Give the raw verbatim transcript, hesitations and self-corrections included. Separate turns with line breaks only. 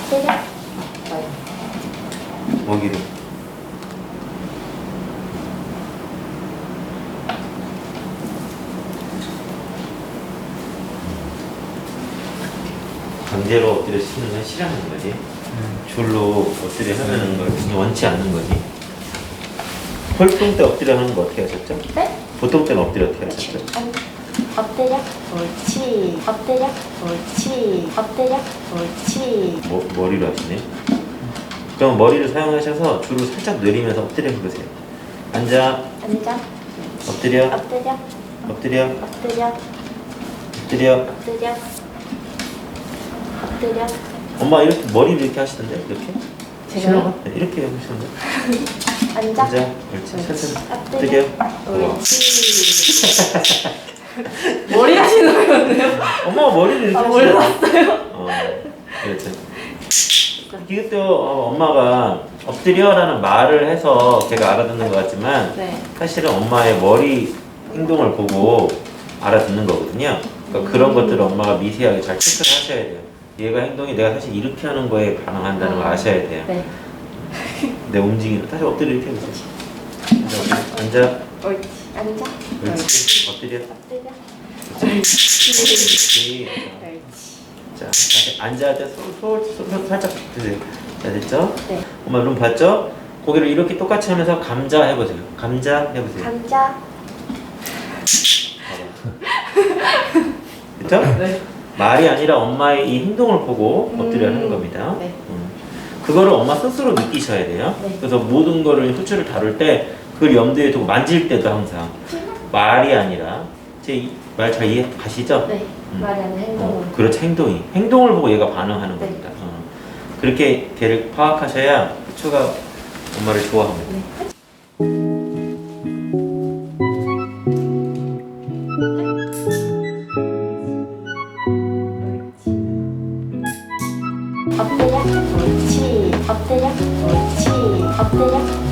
엎드려.
먹이로. 강제로 엎드려 시키는 건 싫어하는 거지.
음.
줄로 엎드려 하는 걸 원치 않는 거지. 홀통 때 엎드려 하는 거 어떻게 하셨죠?
네?
보통 때는 엎드려 어떻게 하셨죠?
아니, 엎드려. 옳지. 엎드려. 옳지. 엎드려. 옳지.
머, 머리로 하시네. 그럼 머리를 사용하셔서 줄을 살짝 내리면서 엎드려 해보세요. 앉아.
앉아.
엎드려.
엎드려.
엎드려.
엎드려.
엎드려.
엎드려. 엎드려.
엄마 이렇게 머리를 이렇게 하시던데 이렇게?
제가요?
네, 이렇게 해보시던데.
앉아.
앉아. 옳지. 천천히.
엎드려.
엎드려.
옳지.
머리 하시는 거였네요?
엄마가 머리를 이렇게
아,
하시던데.
몰랐어요.
어, 그렇죠. 이것도 어, 엄마가 엎드려라는 말을 해서 걔가 알아듣는 것 같지만
네.
사실은 엄마의 머리 행동을 보고 알아듣는 거거든요. 그러니까 그런 것들을 엄마가 미세하게 잘 체크를 하셔야 돼요. 얘가 행동이 내가 사실 이렇게 하는 거에 반응한다는 걸 아셔야 돼요.
네.
내 움직이는 다시 엎드려 이렇게 해보세요. 앉아.
옳지. 앉아.
옳지. 엎드려.
엎드려.
그렇지.
옳지.
자, 다시 앉아야 돼. 손, 손, 손 살짝 드세요. 자, 됐죠?
네.
엄마 룸 봤죠? 고개를 이렇게 똑같이 하면서 감자 해보세요. 감자 해보세요.
감자.
됐죠?
네.
말이 아니라 엄마의 이 행동을 보고 엎드려
음.
하는 겁니다.
네.
음. 그거를 엄마 스스로 느끼셔야 돼요.
네.
그래서 모든 거를 후추를 다룰 때 그걸 염두에 두고 만질 때도 항상 말이 아니라 제 말 잘 이해 가시죠?
네.
음.
말이 아니라 행동으로.
어, 그렇죠. 행동이. 행동을 보고 얘가 반응하는
네.
겁니다. 어. 그렇게 걔를 파악하셔야 후추가 엄마를 좋아합니다.
네. 엎드려. 옳지. 엎드려. 옳지. 엎드려.